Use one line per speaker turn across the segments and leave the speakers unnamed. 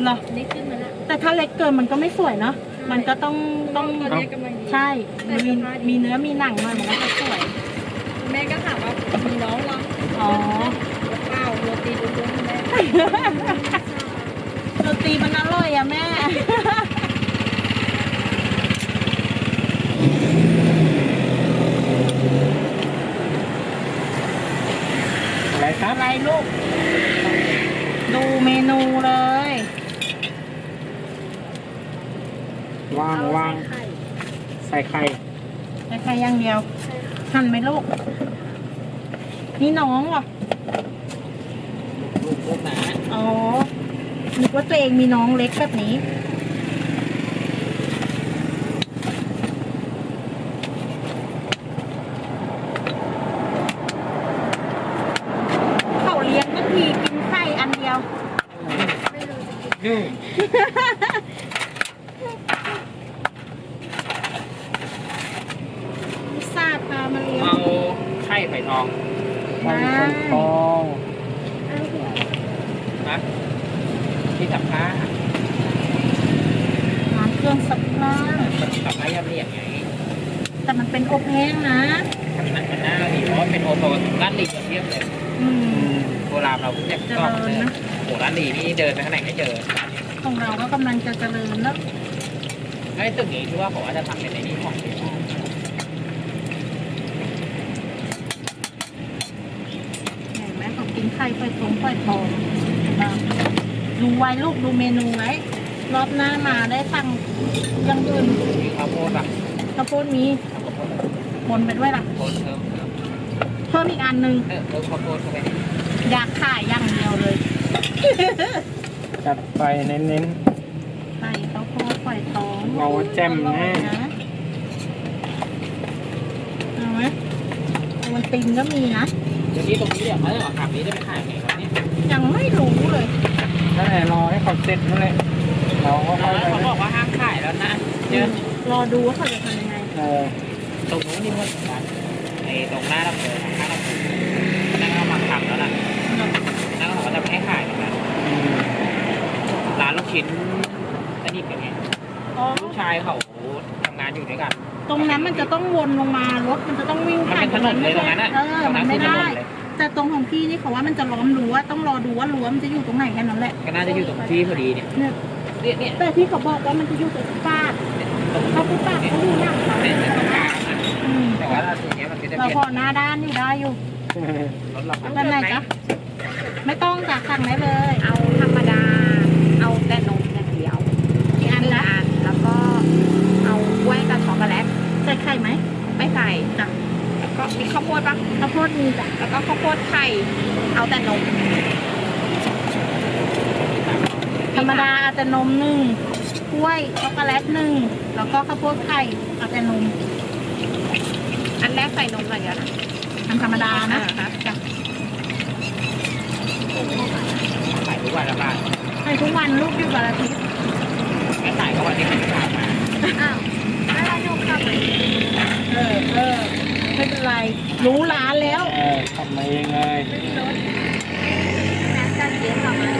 เหรอ
นี่ขึ้นมาแล้ว
แต่ถ้าเล็กเกินมันก็ไม่สวยเนาะมันก็ต้อง
ตอนนี้กำลังดี
ใช่มีเนื้อมีหนังหน่อยมันก็จะสวย
แม่ก็ถามว่ามีน้องเหรอ
อ๋อ
เปล่าโรตีล้วนๆแม่
โรตีมันอร่อยอะแม่
อะไรครับ
อะไรลูก ดูเมนูเลย
วางใส่ไข่
ใครอย่างเดียวหั่นไหมลูก นี่น้องเหรอ
ลูกหนา
อ๋อนึกว่าตัวเองมีน้องเล็กแบบนี้เขาเลี้ยงบางทีกินไข่อันเดียว
นี่
ซาพามาเลี้ยง
เอาไข่ไข่ทอง
ได้
ทองนะที่สับผ้า
ร้านเครื่องซักผ้า
สับผ้ายำเรียบไง
แต่มันเป็นอบแห้งนะ
มันน่าดีเพราะว่าเป็นโอโซนร้านลีเทียบเลย
อืม
โบราณเราเนี่ย
เจ
ก็
ริญนะ
โหร้านลีนี่เดินไปข้างไหนไม่เจอ
ของเราก็กำลังจะเจริญแล้ว
ไอ้ตึกนี้คือว่าผมว่าจะทำเป็นในนี้ของ
เห็นไหมเขากินไข่ไฟทองดูไว้ลูกดูเมนูไว้รอบหน้ามาได้สั่งอยังอื่น
มีข้าวโพดอ่ะ
ข้าวโพดมีบนไปด้วยล่ะ
โพดเพิ่ม
เพิ่มอีกอันหนึ่ง
เพิ่มข้าวโพดเข้าไป
อยากขายอย่างเดียวเลย
จัดไปเน้น
ไข่ข้าวโพดไฟทอง
เราแจ่มแน่
เอาไหมเอาวันตินก็มีนะ
เดี๋ยวนี้ตรงนี้เดี๋ยวเขาจะออกขับนี้ได้ไปขายไหนครับเนี่ย
ยังไม่รู้เลย
นั่นแหละรอให้เขาเสร็จนั่นแหละเราก็ค่อยเขาบอกว่าห้ามขายแล้วนะเจอ
รอดูว่าเขาจะทำยังไง
ตรงนู้นนี่มันเหมือนกันไอ้ตรงหน้าลำเนินข้างลำเนินนั่นก็มาทำแล้วนะนั่นก็บอกว่าจะไม่ให้ขายเหมือนกันร้านลูกชิ้นสนิทกันไง
อ๋อ
ลูกชายเขาทำงานอยู่ด้วยกัน
ตรงนั้นมันจะต้องวนลงมารถมันจะต้องวิ่ง
มัน
ผ่าน
เป็นถนนเลยตรงนั้นอ่ะ
มันไม่ได้ แต่ตรงของพี่นี่เขาว่ามันจะล้อมรั้วต้องรอดูว่ารั้วมันจะอยู่ตรงไหนแค่นั้นแหละ
ก็น่าจะอยู่ตรงที่พอดีเนี่ย
เนี่ย
เนี่ย
แต่ที่เขาบอกว่ามันจะอยู่ตรงฟุตบาทเขาฟุตบาทเขาดูหนักเขา
เนี่ยตรงกลางอ่ะ
อืม
แต่ว่าตรงนี้มันก็จะ
เรา
เปลี่ยน
พอหน้าด้านอยู่ได้อยู่
รถเรา
ด้านไหนจ๊ะไม่ต้องจากสั่งได้เลย
เอาธรรมดา เอาแต่นมอย่างเดียว
กี่อันละ
แล้วก็เอากล้วยกับช็อกโกแลต
ใส่ไข่ไหม
ไม่ใส่
จ้ะ
แล้วก็มีข้าวโพดปะ
ข้าวโพดมีจ้ะ
แล้วก็ข้าวโพดไข่ เอาแต่นม
ธรรมดาเอาแต่นมหนึ่งกล้วยช็อกโกแลตหนึ่งแล้วก็ข้าวโพดไข่เอาแต่นม
อันแรกใส่นมก่อนเดี๋ยวนะ
ทำธรรมดานะ
อ่าฮะ
จ้ะ
ขายทุกวันละบาท
ให้ทุกวันลูกอยู่วันอาทิตย์
ไม่ขายก็วันที่เขาขายมา
อ้าวแล้วเราโยกขับไป
ไม่เป็นไร รู้ร้านแล้ว
ทำมาเองเลย
รถแม่กันเย็นกลับมา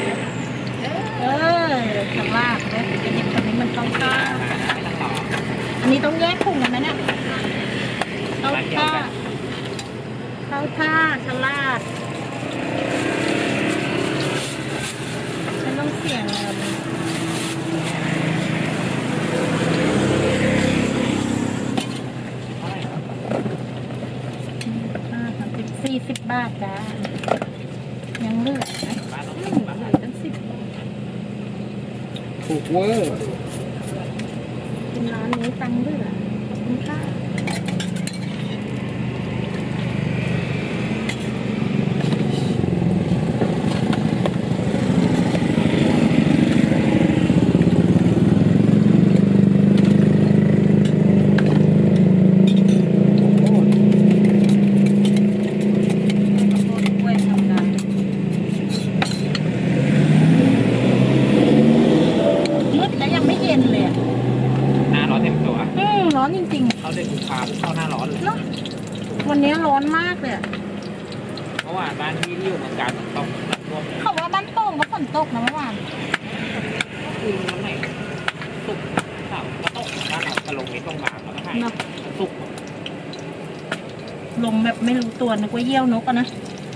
ข้างล่างเนี่ยจะเห็นตรงนี้มันต้องข้า
ไม่ต้องต่อ
อันนี้ต้องแยกถุงกันไหมเนี่ยเข้าท่าเข้าท่าฉลาดฉันต้องเสี่ยงเงิน40 บาทจ้ายังเหลือนะเหลือตั้ง10
ถูกเวอร์
เป็นร้านนี้ตังค์เหลือขอบคุณค่ะมืดแล้วยังไม่เย็นเลยอะ
หน้าร้อนเต็มตัว
ร้อนจริง
เขาเดือนกุมภาพันธ์เข้าหน้าร้อนเลย
ๆเนาะวันนี้ร้อนมากเลยอะ
เพราะว่าบ้านที่อยู่เมืองการต้องน้ำท่วมเลย
เขาว่าบ้านโป่งก็ฝนตกนะเมื่อวาน
ฝคือวันไหนสุกเสาร์ก็ตกบ้านเราจะลงในตรงมาแล้วก็ให้
เนาะ
สุก
ลงแบบไม่รู้ตัวนึกว่าเยี่ยวนกอะนะ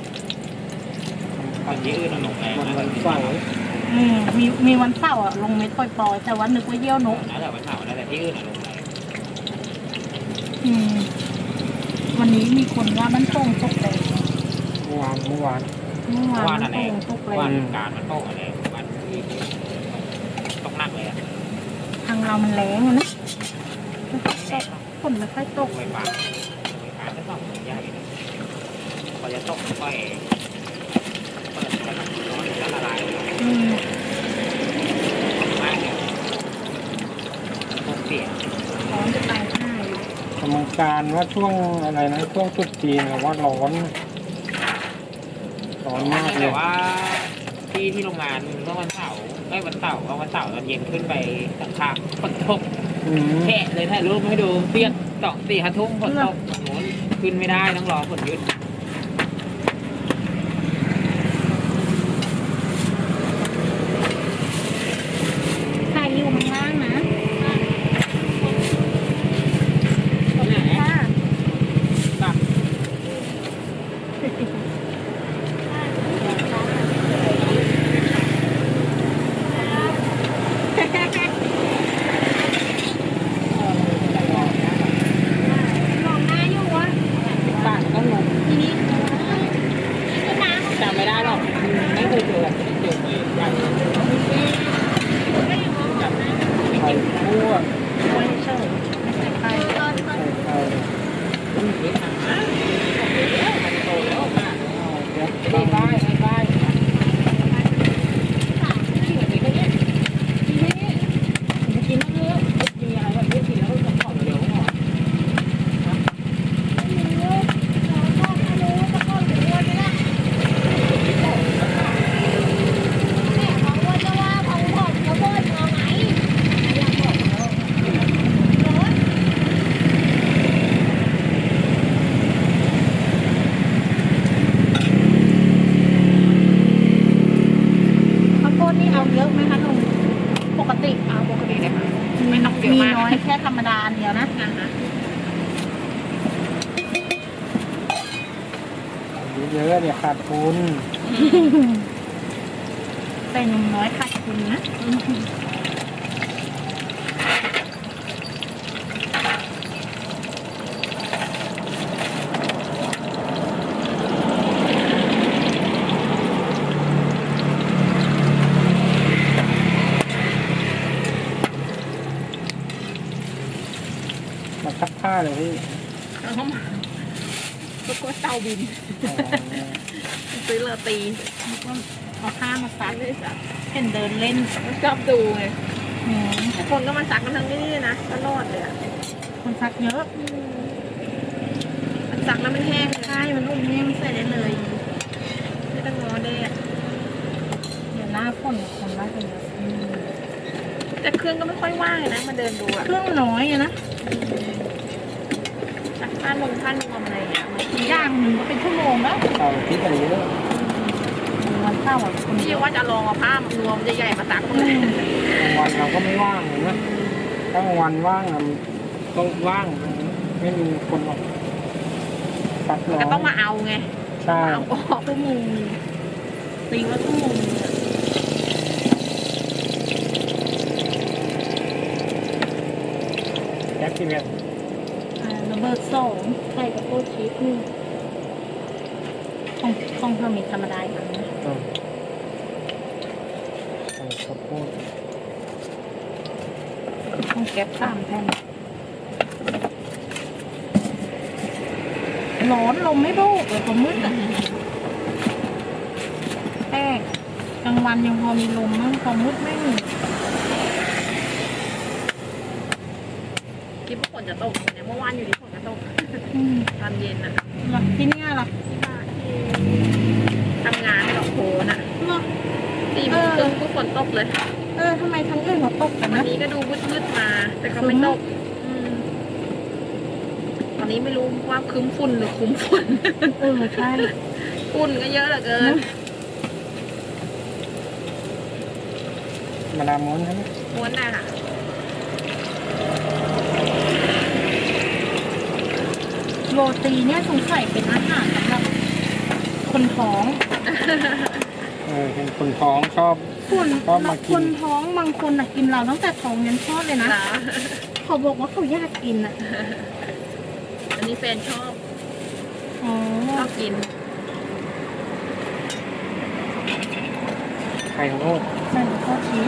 ตอนที่อื่นเราลงแรง
วันเสาร์
มีวันเสาร์อะลงเม็ดปล่อยๆแต่ว่านึกว่าเยี่ยวนก
แล้วแต่วันเสาร์แล้วแต่ที่อื่นเราลงแรง
อืมวันนี้มีคนว่ามันโป่งตกแรง
เมื่อวาน
เมื่อวานมันโป่งตกแร
ว่าง การมันโตอะไรวันที่ตกหนักเลยอะ
ทางเรามันแรงอะนะฝนไม่ค่อยตก
ไฟฟ้าจะต้องใหญ่พอจะตกค่อยเปิดตัวร้อนแล้วละลาย
อืม
มากเลยตกเสีย
ร้อนจะตายห่าอยู่
กรรมการว่าช่วงอะไรนะช่วงตรุษจีนอะว่าร้อนมากเล
แต่
ย
ว่าที่โรงงานเมื่อวันเสาร์วันเสาร์ตอนเย็นขึ้นไปสักพักฝนตก แฉะเลยถ่ายรูปให้ดูเปียก2-4 ทุ่มฝนตกโน้นขึ้นไม่ได้ต้องรอฝนหยุด
ใครอยู่ข้างล่างนะ ค่ะ
ตับ
มองหน้าอยู่วะ
ปากก็งง
ทีนี้น้ำ
จำไม่ได้หรอกไม่เคยเจอแบบไม่เจอเลยใหญ่
ก็อยู่มองหน้า
ไข่คั่ว
ไว้เฉยไม่ใส่ไข่
ตอน
ไข่
มันมีทางนะมันโตแล้วมาก
เย็บ
ไม่ได้ไม่ได้กินเยอะมีอะไรแบบนี้กินแล้วก็ของเยอะหน่อย
ข้าวโพดนี่เอาเยอะไหมคะลุงปกติ
เอาปกติได้ไหมไม่ต้องเยอะ
มี
มาก
น้อยแค่ธรรมดาอันเดียวนะ
เยอะเนี่ยขาดทุน
แต่หนุ่มน้อยขาดทุนนะ
มาซักผ้าเลยพี่
ก็กลัวเตาบิน
อ๋อ
ซื้อโรตี
เอาผ้ามาซัก
ไม่ได้ซัก
เห็นเดินเล่น
ชอบดูไง
อืม
คนก็มาซักกันทั้งนี้นะก็รอดเลยอ่ะ
คนซักเยอะ
มันซักแล้วมันแห้งเลย
ใช่มันอุ่นนี่มันใส่ได้เลย
ไม่ต้องงอแดด
เดี๋ยวหน้าฝนคนน่าจะเยอะ
แต่เครื่องก็ไม่ค่อยว่างเลยนะมาเดินดูอ่ะ
เครื่องน้อยอะนะ
ซักผ้านวมอะไรอย่างเงี้ย
อย่างหนึ่งก็เป็นชั่วโมงแล้ว
เสาร์อาทิตย์อะไรเยอะ
วันเสาร์อะคน
พี่
เยอะ
ว่าจะลองเอาผ้านวมใหญ่ๆมาซักเล
อื
ย
ม
กลางวันเราก็ไม่ว่างเลยนะถ้ากลางวันว่างอะต้องว่างไม่มีคนออกซักน้อ
ก็ต้องมาเอาไง
ใช่
เอาออก
ชั่วโมงตีว่าชั่วโมงนึงอะ
แจ็คที่เนี่ย
ระเบิด2ไข่กับโคชีสหนึ่งของเธอมีธรรมดาอีกอันนะ
ใส่ข้าวโพด
ของแก๊ป3 แผ่นร้อนลมไม่โบกเลยผมมืดอ่ะแต่กลางวันยังพอมีลมมั้งพอมืดไม่มี
คิดว่าฝนจะตกเนี่ยเมื่อวานอยู่ที่ฝนจะตก
อืม
ตอนเย็นน่ะ
หรอที่เนี่ยหรอ
ที่บ้านที่ทำงานดอกโพน่ะ
หรอ
4 โมงครึ่งก็ฝนตกเลย
ทำไมทั้งอื่นเขาตกกัน
วัน
นะ
นี้ก็ดูมืดๆมา แต่ก็ไม่ตกตอนนี้ไม่รู้ว่าครึ้มฝุ่นหรือคุ้มฝุ่น
ใช่
ฝุ่นก็เยอะเหลือเกิน
มาดามม้วนใช่ไหม
ม้วนน่ะค่ะ
โรตีเนี่ยสงสัยเป็นอาหารสำหรับคนท้อง
เห็นคนท้องชอบ
ส่วน
ชอบมากิน
คนท้องบางคนกินเราตั้งแต่ท้องยันคลอดเลยนะ
เหรอ
เขาบอกว่าเขาอยากกินอ่ะ
อันนี้แฟนชอบ
อ๋อ
ชอบกิน
ไข่ของโลก
ใส่ข้าวชีส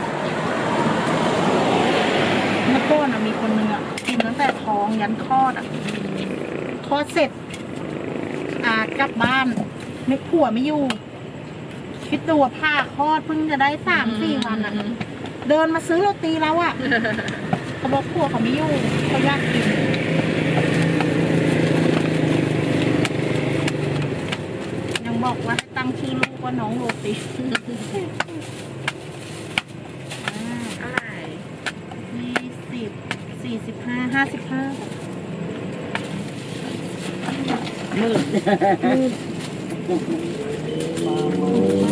เมื่อก่อนมีคนนึงกินตั้งแต่ท้องยันคลอดคลอดเสร็จกลับบ้านไม่ผัวไม่อยู่ คิดดูว่าผ้าคลอดเพิ่งจะได้3-4 วันเดินมาซื้อโรตีแล้วเขาบอกผัวเขาไม่อยู่เขาอยากกินยังบอกว่าให้ตั้งชื่อลูกว่าน้องโรตี
เท่าไหร่
20 45 55
มืด
มืด
มา